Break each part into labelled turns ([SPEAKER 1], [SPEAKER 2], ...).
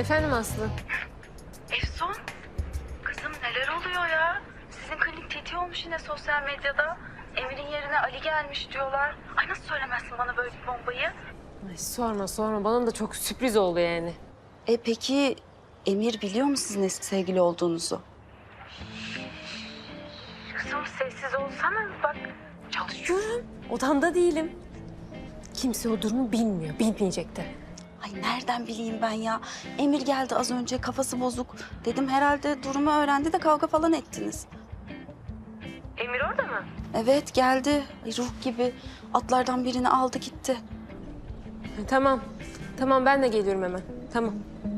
[SPEAKER 1] Efendim Aslı?
[SPEAKER 2] Efsun, kızım neler oluyor ya? Sizin klinik tetiği olmuş yine sosyal medyada. Emir'in yerine Ali gelmiş diyorlar. Ay nasıl söylemezsin bana böyle bir bombayı?
[SPEAKER 1] Ay sorma. Bana da çok sürpriz oldu yani.
[SPEAKER 3] Peki Emir biliyor mu sizin eski sevgili olduğunuzu?
[SPEAKER 2] Kızım sessiz olsana bak.
[SPEAKER 1] Çalışıyorum. Odamda değilim. Kimse o durumu bilmiyor. Bilmeyecek de.
[SPEAKER 3] Ay nereden bileyim ben ya? Emir geldi az önce, kafası bozuk. Dedim herhalde durumu öğrendi de kavga falan ettiniz.
[SPEAKER 2] Emir orada mı?
[SPEAKER 3] Evet geldi. Ay, ruh gibi atlardan birini aldı gitti.
[SPEAKER 1] Tamam. Tamam ben de geliyorum hemen. Tamam.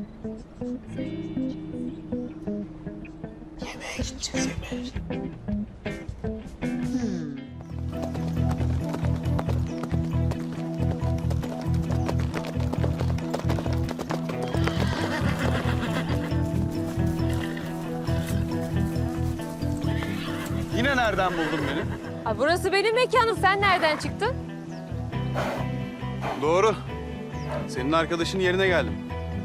[SPEAKER 4] Yine nereden buldun beni?
[SPEAKER 1] Aa, burası benim mekanım. Sen nereden çıktın?
[SPEAKER 4] Doğru. Senin arkadaşın yerine geldim.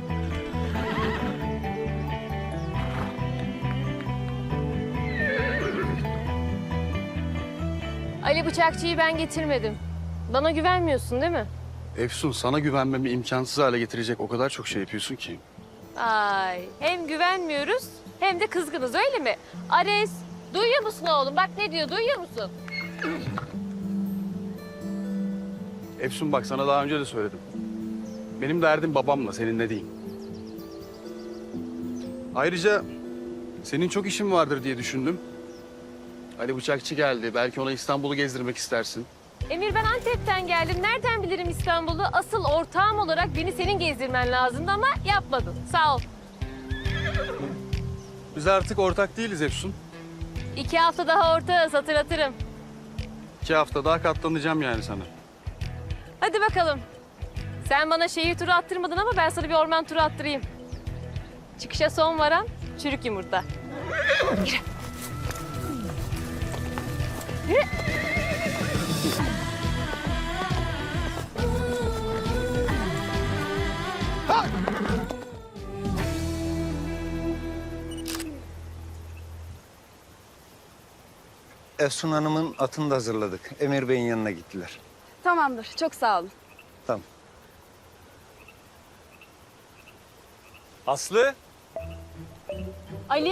[SPEAKER 1] Ali Bıçakçı'yı ben getirmedim. Bana güvenmiyorsun değil mi?
[SPEAKER 4] Efsun, sana güvenmemi imkansız hale getirecek o kadar çok şey yapıyorsun ki.
[SPEAKER 1] Ay hem güvenmiyoruz hem de kızgınız öyle mi? Ares duyuyor musun oğlum? Bak ne diyor duyuyor musun?
[SPEAKER 4] Efsun bak, sana daha önce de söyledim. Benim derdim babamla, seninle değil. Ayrıca senin çok işin vardır diye düşündüm. Ali Bıçakçı geldi. Belki ona İstanbul'u gezdirmek istersin.
[SPEAKER 1] Emir ben Antep'ten geldim. Nereden bilirim İstanbul'u? Asıl ortağım olarak beni senin gezdirmen lazımdı ama yapmadın. Sağ ol.
[SPEAKER 4] Biz artık ortak değiliz Efsun.
[SPEAKER 1] 2 hafta daha ortağız hatırlatırım.
[SPEAKER 4] 2 hafta daha katlanacağım yani sana.
[SPEAKER 1] Hadi bakalım. Sen bana şehir turu attırmadın ama ben sana bir orman turu attırayım. Çıkışa son varan çürük yumurta. Yürü. Yürü.
[SPEAKER 5] Efsun Hanım'ın atını da hazırladık. Emir Bey'in yanına gittiler.
[SPEAKER 3] Tamamdır, çok sağ olun.
[SPEAKER 5] Tamam.
[SPEAKER 4] Aslı?
[SPEAKER 1] Ali?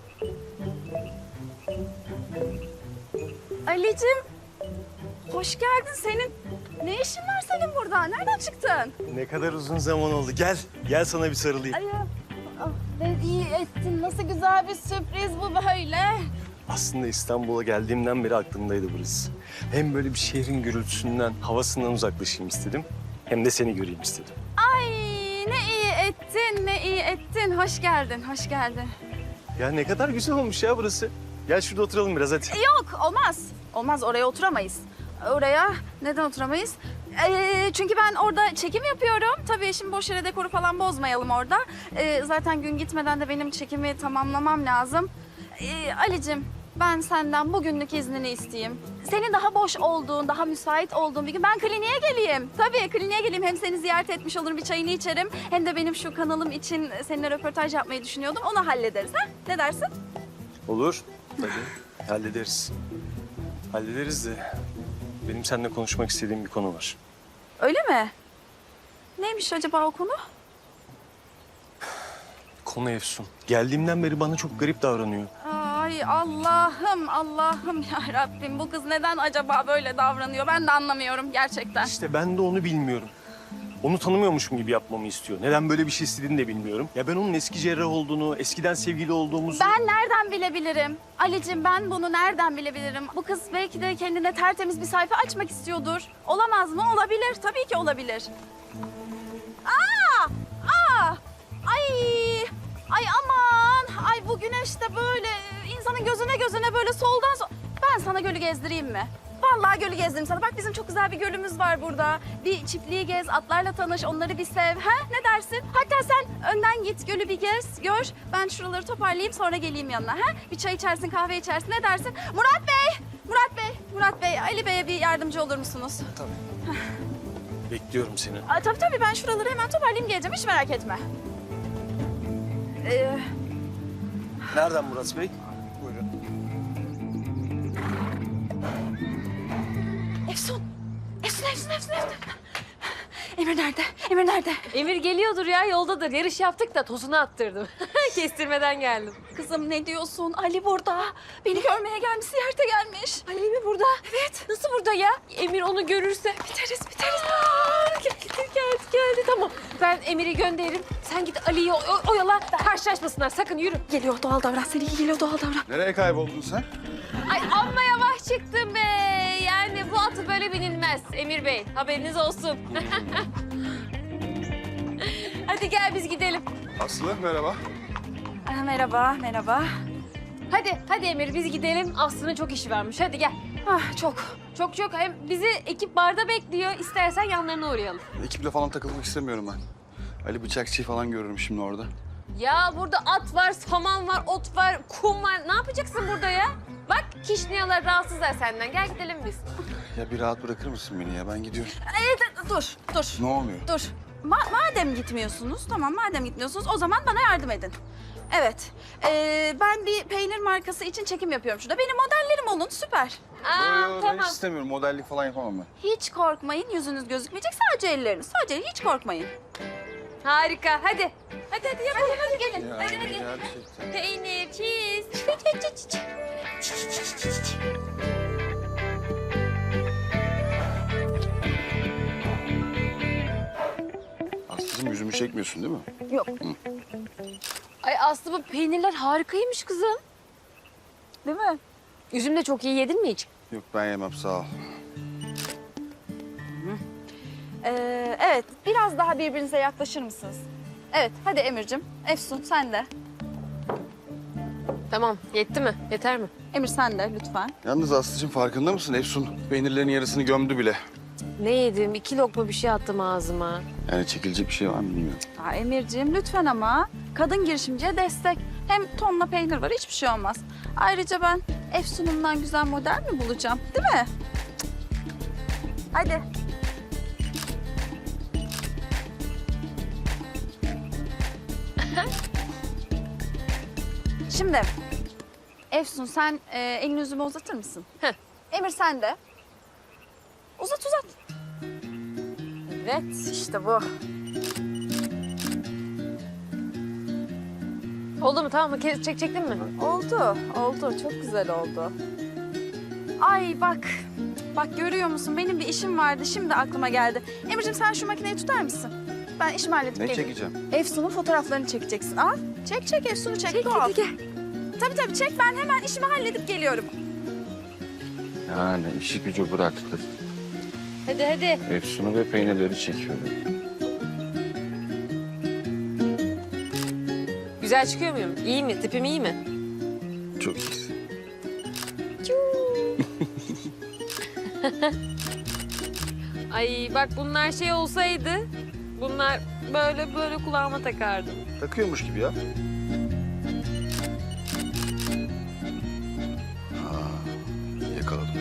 [SPEAKER 3] Ali'cim, hoş geldin. Senin ne işin var senin burada? Nereden çıktın?
[SPEAKER 6] Ne kadar uzun zaman oldu. Gel, gel sana bir sarılayım.
[SPEAKER 3] Ay, ne iyi ettin. Nasıl güzel bir sürpriz bu böyle.
[SPEAKER 6] Aslında İstanbul'a geldiğimden beri aklımdaydı burası. Hem böyle bir şehrin gürültüsünden, havasından uzaklaşayım istedim. Hem de seni göreyim istedim.
[SPEAKER 3] Ay ne iyi ettin, ne iyi ettin. Hoş geldin, hoş geldin.
[SPEAKER 6] Ya ne kadar güzel olmuş ya burası. Gel şurada oturalım biraz hadi.
[SPEAKER 3] Yok, olmaz. Olmaz, oraya oturamayız. Oraya neden oturamayız? Çünkü ben orada çekim yapıyorum. Tabii şimdi boş yere dekoru falan bozmayalım orada. Zaten gün gitmeden de benim çekimi tamamlamam lazım. Ali'cim, ben senden bugünlük iznini isteyeyim. Senin daha boş olduğun, daha müsait olduğun bir gün ben kliniğe geleyim. Tabii kliniğe geleyim. Hem seni ziyaret etmiş olurum, bir çayını içerim. Hem de benim şu kanalım için seninle röportaj yapmayı düşünüyordum. Onu hallederiz ha? Ne dersin?
[SPEAKER 6] Olur. Tabii. Hallederiz. Hallederiz de benim seninle konuşmak istediğim bir konu var.
[SPEAKER 3] Öyle mi? Neymiş acaba o konu?
[SPEAKER 6] Konu Efsun. Geldiğimden beri bana çok garip davranıyor.
[SPEAKER 3] Ay Allah'ım, Allah'ım ya Rabbim. Bu kız neden acaba böyle davranıyor? Ben de anlamıyorum gerçekten.
[SPEAKER 6] İşte ben de onu bilmiyorum. Onu tanımıyormuşum gibi yapmamı istiyor. Neden böyle bir şey istediğini de bilmiyorum. Ya ben onun eski cerrah olduğunu, eskiden sevgili olduğumuzu...
[SPEAKER 3] Ben nereden bilebilirim? Ali'cim ben bunu nereden bilebilirim? Bu kız belki de kendine tertemiz bir sayfa açmak istiyordur. Olamaz mı? Olabilir. Tabii ki olabilir. Aa! Aa! Ay! Ay aman! Ay bu güneş de böyle insanın gözüne böyle soldan... Ben sana gölü gezdireyim mi? Vallahi gölü gezdireyim sana. Bak bizim çok güzel bir gölümüz var burada. Bir çiftliği gez, atlarla tanış, onları bir sev. Ha? Ne dersin? Hatta sen önden git, gölü bir gez, gör. Ben şuraları toparlayayım sonra geleyim yanına. Ha? Bir çay içersin, kahve içersin. Ne dersin? Murat Bey! Murat Bey, Ali Bey'e bir yardımcı olur musunuz?
[SPEAKER 6] Bekliyorum seni.
[SPEAKER 3] Tabii ben şuraları hemen toparlayayım geleceğim. Hiç merak etme.
[SPEAKER 6] Nereden Murat Bey? Buyurun.
[SPEAKER 3] Efsun. Efsun. Emir nerede? Emir nerede?
[SPEAKER 1] Emir geliyordur ya, yoldadır. Yarış yaptık da tozunu attırdım. Kestirmeden geldim.
[SPEAKER 3] Kızım ne diyorsun? Ali burada. Beni görmeye gelmiş, ziyarete gelmiş.
[SPEAKER 1] Ali mi burada? Evet. Nasıl burada ya? Emir onu görürse.
[SPEAKER 3] Biteriz.
[SPEAKER 1] Geldi. Tamam. Ben Emir'i gönderirim. Sen git Ali'yi oyala. Karşılaşmasınlar. Sakın yürü.
[SPEAKER 3] Geliyor, doğal davran. Seni iyi geliyor, doğal davran.
[SPEAKER 4] Nereye kayboldun sen?
[SPEAKER 1] Ay amma yavaş çıktım be. Yani bu atı böyle binilmez Emir Bey. Haberiniz olsun. Hadi gel biz gidelim.
[SPEAKER 4] Aslı merhaba.
[SPEAKER 3] Merhaba.
[SPEAKER 1] Hadi Emir biz gidelim. Aslı'nın çok işi varmış. Hadi gel.
[SPEAKER 3] Ah, çok.
[SPEAKER 1] Çok. Hem bizi ekip barda bekliyor. İstersen yanlarına uğrayalım.
[SPEAKER 4] Ekiple falan takılmak istemiyorum ben. Ali Bıçakçı'yı falan görürüm şimdi orada.
[SPEAKER 1] Ya burada at var, saman var, ot var, kum var. Ne yapacaksın burada ya? Bak kişniyalar rahatsızlar senden. Gel gidelim biz.
[SPEAKER 4] Ya bir rahat bırakır mısın beni ya? Ben gidiyorum.
[SPEAKER 3] Dur.
[SPEAKER 4] Ne oluyor?
[SPEAKER 3] Dur. Madem gitmiyorsunuz, madem gitmiyorsunuz o zaman bana yardım edin. Evet, ben bir peynir markası için çekim yapıyorum şurada. Benim modellerim olun, süper.
[SPEAKER 4] Ben
[SPEAKER 1] Tamam.
[SPEAKER 4] hiç istemiyorum. Modellik falan yapamam ben.
[SPEAKER 3] Hiç korkmayın, yüzünüz gözükmeyecek, sadece elleriniz. Sadece hiç korkmayın.
[SPEAKER 1] Harika. Hadi yapalım. Hadi gelin.
[SPEAKER 4] Ya,
[SPEAKER 1] Hadi.
[SPEAKER 4] gerçekten.
[SPEAKER 1] Peynir, cheese.
[SPEAKER 4] Aslı'cığım yüzümü çekmiyorsun değil mi?
[SPEAKER 3] Yok.
[SPEAKER 1] Ay Aslı bu peynirler harikaymış kızım.
[SPEAKER 3] Değil mi?
[SPEAKER 1] Üzüm de çok iyi. Yedin mi hiç?
[SPEAKER 4] Yok ben yemem sağ ol.
[SPEAKER 3] Evet, biraz daha birbirinize yaklaşır mısınız? Evet, hadi Emir'cim. Efsun, sen de.
[SPEAKER 1] Tamam. Yetti mi? Yeter mi?
[SPEAKER 3] Emir sen de lütfen.
[SPEAKER 4] Yalnız Aslı'cığım farkında mısın? Efsun peynirlerin yarısını gömdü bile.
[SPEAKER 1] Ne yedim? 2 lokma bir şey attım ağzıma.
[SPEAKER 4] Yani çekilecek bir şey var mı bilmiyorum.
[SPEAKER 3] Emir'ciğim lütfen ama. Kadın girişimciye destek. Hem tonla peynir var, hiçbir şey olmaz. Ayrıca ben Efsun'umdan güzel model mi bulacağım? Değil mi? Cık. Hadi. Şimdi Efsun sen elini yüzüme uzatır mısın?
[SPEAKER 1] Heh.
[SPEAKER 3] Emir sen de. Uzat. Evet işte bu.
[SPEAKER 1] Oldu mu? Tamam mı? Çektin mi?
[SPEAKER 3] Oldu. Çok güzel oldu. Ay bak görüyor musun? Benim bir işim vardı. Şimdi aklıma geldi. Emir'ciğim sen şu makineyi tutar mısın? Ben işimi halledip
[SPEAKER 4] Ne
[SPEAKER 3] geleyim.
[SPEAKER 4] çekeceğim?
[SPEAKER 3] Efsun'un fotoğraflarını çekeceksin. Al. Çek Efsun'u çek.
[SPEAKER 1] Çek,
[SPEAKER 3] doğal.
[SPEAKER 1] hadi gel.
[SPEAKER 3] Tabii çek. Ben hemen işimi halledip geliyorum.
[SPEAKER 4] Yani işi gücü bıraktı.
[SPEAKER 1] Hadi.
[SPEAKER 4] Efsun'u ve peynirleri çekiyorum.
[SPEAKER 1] Güzel çıkıyor muyum? İyi mi? Tipim iyi mi?
[SPEAKER 4] Çok iyisin.
[SPEAKER 1] Ay bak bunlar şey olsaydı, bunlar böyle kulağıma takardım.
[SPEAKER 4] Takıyormuş gibi ya. Yakaladım.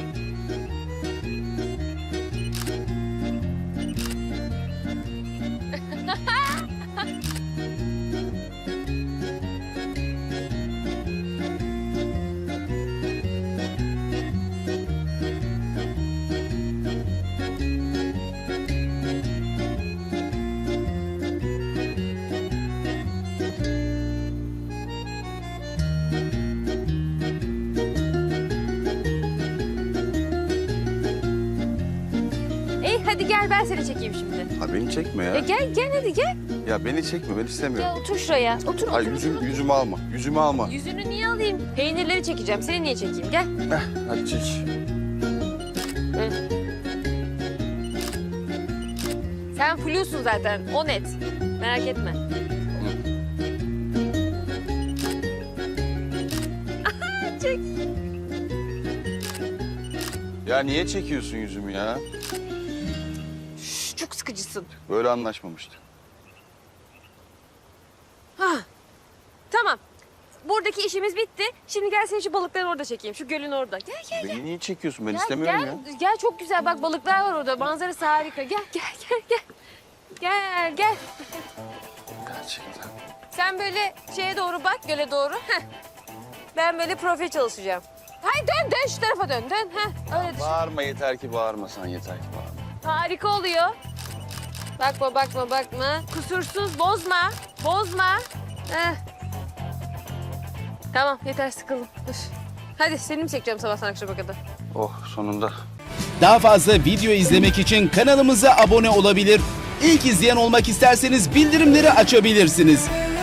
[SPEAKER 1] Hadi gel ben seni çekeyim şimdi.
[SPEAKER 4] Ha beni çekme ya.
[SPEAKER 1] Gel hadi gel.
[SPEAKER 4] Ya beni çekme ben istemiyorum.
[SPEAKER 1] Gel otur şuraya. Otur.
[SPEAKER 4] Ay yüzümü alma. Yüzümü alma.
[SPEAKER 1] Yüzünü niye alayım? Peynirleri çekeceğim. Seni niye çekeyim? Gel.
[SPEAKER 4] Hadi çek.
[SPEAKER 1] Sen flusun zaten. O net. Merak etme. Çek.
[SPEAKER 4] Ya niye çekiyorsun yüzümü ya?
[SPEAKER 1] Çok sıkıcısın.
[SPEAKER 4] Böyle anlaşmamıştık.
[SPEAKER 1] Tamam. Buradaki işimiz bitti. Şimdi gel seni şu balıkları orada çekeyim. Şu gölün orada. Gel.
[SPEAKER 4] Beni niye çekiyorsun? Ben
[SPEAKER 1] Gel,
[SPEAKER 4] istemiyorum
[SPEAKER 1] gel.
[SPEAKER 4] ya.
[SPEAKER 1] Gel çok güzel. Bak balıklar var orada. Manzarası harika. Gel. Gel.
[SPEAKER 4] gerçekten.
[SPEAKER 1] Sen böyle şeye doğru bak, göle doğru. Heh. Ben böyle profil çalışacağım. Hayır dön şu tarafa dön. Heh. Öyle düşün.
[SPEAKER 4] Bağırma yeter ki bağırmasan yeter ki bağırma.
[SPEAKER 1] Harika oluyor. Bakma. Kusursuz, bozma. Heh. Tamam, yeter sıkıldım. Dur. Hadi seni mi çekeceğim sabahtan akşama kadar?
[SPEAKER 4] Oh sonunda.
[SPEAKER 7] Daha fazla video izlemek için kanalımıza abone olabilir. İlk izleyen olmak isterseniz bildirimleri açabilirsiniz.